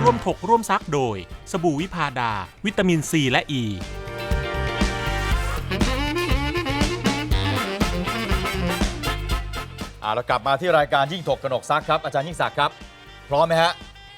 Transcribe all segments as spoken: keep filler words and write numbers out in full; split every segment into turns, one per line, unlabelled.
ร่วมถกร่วมซักโดยสบู่วิพาดาวิตามินซีและอ e. ี
อ่าเรากลับมาที่รายการยิ่งถกกนกซักครับอาจารย์ยิ่งศักดิ์ครับพร้อมไหมฮะ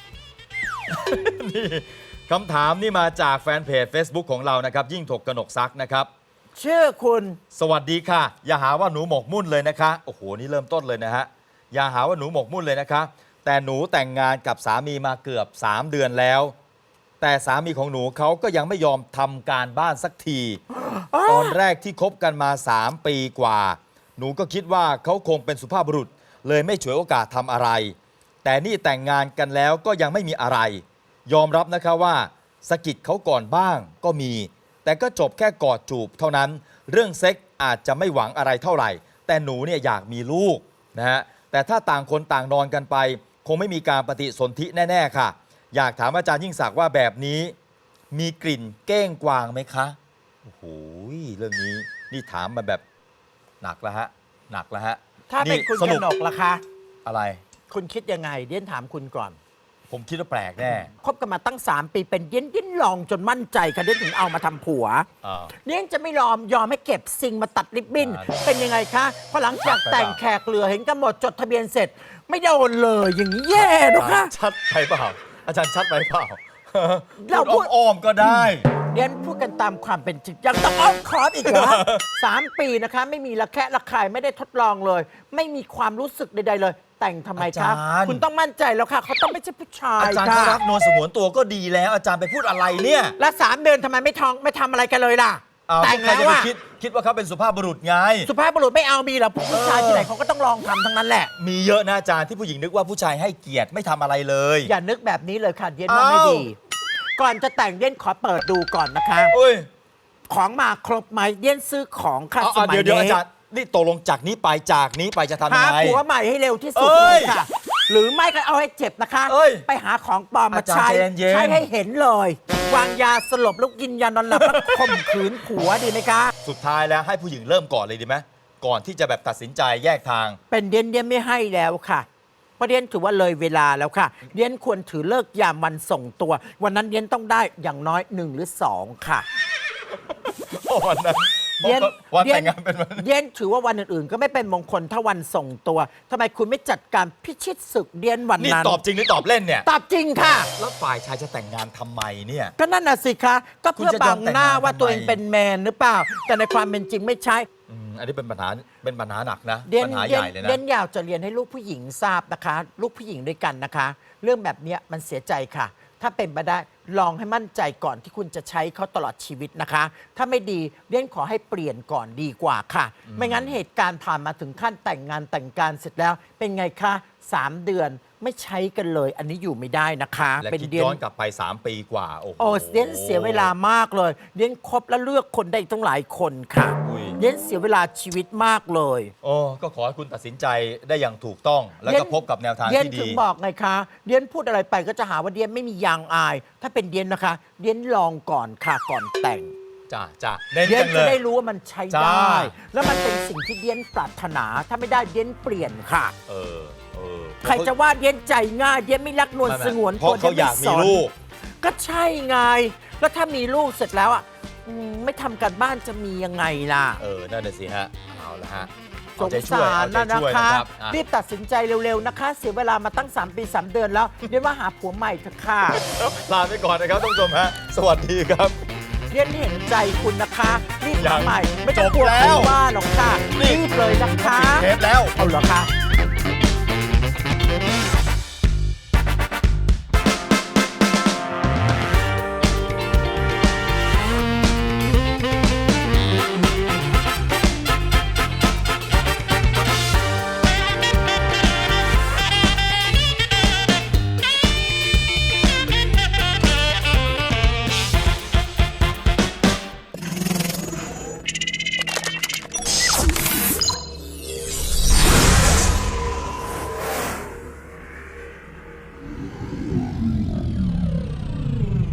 นี่คำถามนี่มาจากแฟนเพจ Facebook ของเรานะครับยิ่งถกกนกซักนะครับ
ชื่อคุณ
สวัสดีค่ะอย่าหาว่าหนูหมกมุ่นเลยนะคะโอ้โหนี่เริ่มต้นเลยนะฮะอย่าหาว่าหนูหมกมุ่นเลยนะคะแต่หนูแต่งงานกับสามีมาเกือบสามเดือนแล้วแต่สามีของหนูเขาก็ยังไม่ยอมทำการบ้านสักที ตอนแรกที่คบกันมาสามปีกว่าหนูก็คิดว่าเขาคงเป็นสุภาพบุรุษเลยไม่ฉวยโอกาสทำอะไรแต่นี่แต่งงานกันแล้วก็ยังไม่มีอะไรยอมรับนะคะว่าสะกิดเขาก่อนบ้างก็มีแต่ก็จบแค่กอดจูบเท่านั้นเรื่องเซ็กอาจจะไม่หวังอะไรเท่าไหร่แต่หนูเนี่ยอยากมีลูกนะฮะแต่ถ้าต่างคนต่างนอนกันไปคงไม่มีการปฏิสนธิแน่ๆค่ะอยากถามอาจารย์ยิ่งศักดิ์ว่าแบบนี้มีกลิ่นเก้งกวางไหมคะโอ้โหเรื่องนี้นี่ถามมาแบบหนักแล้วฮะหนักแล้วฮะ
ถ้าเป็นคุณกนกล่ะคะ
อะไร
คุณคิดยังไงเดี๋ยวถามคุณก่อน
ผมคิดว่าแปลกแน่
คบกันมาตั้งสามปีเป็นเย็นเย็นลองจนมั่นใจค่ะเดี๋ยวถึงเอามาทำผัวเนี่ยจะไม่ยอมยอมให้เก็บสิ่งมาตัดริบบิ้นเป็นยังไงคะพอหลังจากแต่งแขกเหลือเห็นกันหมดจดทะเบียนเสร็จไม่โดนเลยอย่างนี้แย่นะคะ
ชัดไปเปล่าอาจารย์ชัดไปเปล่าเราพูดอ้อมก็ได้
เรียนพูดกันตามความเป็นจริงยังต้องอ้อมคอร์สอีกเหรอสามปีนะคะไม่มีระแคะระคายไม่ได้ทดลองเลยไม่มีความรู้สึกใดๆเลยแต่งทำไมคะคุณต้องมั่นใจแล้วค่ะเขาต้องไม่ใช่ผู้ชาย
อาจารย์เขารักนวลสงวนตัวก็ดีแล้วอาจารย์ไปพูดอะไรเนี่ย
แล้วสามเดือนทำไมไม่ท้องไม่ทำอะไรกันเลยล่ะ
แต่งแล้วอะคิดคิดว่าเขาเป็นสุภาพบุรุษไง
สุภาพบุรุษไม่เอามีหรอผู้ชายที่ไหนเขาก็ต้องลองทำทั้งนั้นแหละ
มีเยอะนะอาจารย์ที่ผู้หญิงนึกว่าผู้ชายให้เกียรติไม่ทำอะไรเลย
อย่านึกแบบนี้เลยค่ะเย็นว่าไม่ดีก่อนจะแต่งเย็นขอเปิดดูก่อนนะคะของมาครบไหมเย็นซื้อของค่ะสมัยนี้
เดี๋ยวอาจารย์นี่ตกลงจากนี้ไปจากนี้ไปจะทำยังไง
หาผัวใหม่ให้เร็วที่สุดเลยค่ะหรือไม่ก็เอาให้เจ็บนะคะไปหาของปลอมมาใช้ใช้ให้เห็นเลยวางยาสลบแล้วกินยานอนหลับแล้วข่มขืนผัวดีไหมคะ
สุดท้ายแล้วให้ผู้หญิงเริ่มก่อนเลยดีไหมก่อนที่จะแบบตัดสินใจแยกทาง
เป็นเดียนเดียนไม่ให้แล้วค่ะประเด็นถือว่าเลยเวลาแล้วค่ะเดียนควรถือเลิกยามวันส่งตัววันนั้นเดียนต้องได้อย่างน้อยหนึ่งหรือสองค่ะ
วันนั้น
เย็น
วันแต่งงานเป็นวัน
เย็นถือว่าวันอื่นๆก็ไม่เป็นมงคลถ้าวันส่งตัวทำไมคุณไม่จัดการพิชิตศึกเดียนวันนั้น
นี่ตอบจริงหรือตอบเล่นเนี่ย
ตอบจริงค่ะ
แล้วฝ่ายชายจะแต่งงานทำไมเนี่ย
ก็นั่นน่ะสิคะก็เพื่อบังหน้าว่าตัวเองเป็นแมนหรือเปล่าแต่ในความเป็นจริงไม่ใช่
อันนี้เป็นปัญหาเป็นปัญหาหนักนะปัญหา
ให
ญ่เลยนะ
เดียนอยากจะเรียนให้ลูกผู้หญิงทราบนะคะลูกผู้หญิงด้วยกันนะคะเรื่องแบบนี้มันเสียใจค่ะถ้าเป็นไปได้ลองให้มั่นใจก่อนที่คุณจะใช้เขาตลอดชีวิตนะคะถ้าไม่ดีเรียนขอให้เปลี่ยนก่อนดีกว่าค่ะไม่งั้นเหตุการณ์ผ่านมาถึงขั้นแต่งงานแต่งการเสร็จแล้วเป็นไงคะสามเดือนไม่ใช้กันเลยอันนี้อยู่ไม่ได้นะคะ
เป็นเดือนย้อนกลับไปสามปีกว่าโอ้โห
เรียนเสียเวลามากเลยเรียนคบและเลือกคนได้ตั้งหลายคนค่ะเรียนเสียเวลาชีวิตมากเลย
โอ้ก็ขอให้คุณตัดสินใจได้อย่างถูกต้องแล้วก็พบกับแนวทางที่ดี
เรียนถึงบอกไงคะเรียนพูดอะไรไปก็จะหาว่าเรียนไม่มียางอายถ้าเป็นเรียนนะคะเรียนลองก่อนค่ะก่อนแต่ง
จ้าจ้า
เรียนจะได้รู้ว่ามันใช้ได้แล้วมันเป็นสิ่งที่เรียนปรารถนาถ้าไม่ได้เรียนเปลี่ยนค่ะ
เออ
ใครจะว่าเย็นใจง่ายเย็นไม่รักนวลสงวน
ตัวเขาอยากมีลูก
ก็ใช่ไงแล้วถ้ามีลูกเสร็จแล้วอ่ะไม่ทำการบ้านจะมียังไงล่ะ
เออนั่นน่ะสิฮะเอาละฮะ
สงสารนะนะคะรีบตัดสินใจเร็วๆนะคะเสียเวลามาตั้งสามปีสามเดือนแล้วเรียนว่าหาผัวใหม่เถอะค่ะ
ลาไปก่อนนะครับท่านผู้ชมฮะสวัสดีครับ
เรียนเห็นใจคุณนะคะรีบหาใหม่ไม่ต้องกลัวใครว่าหรอกค่ะรีบเลยนะคะ
เทปแล้ว
เอาเหรอคะ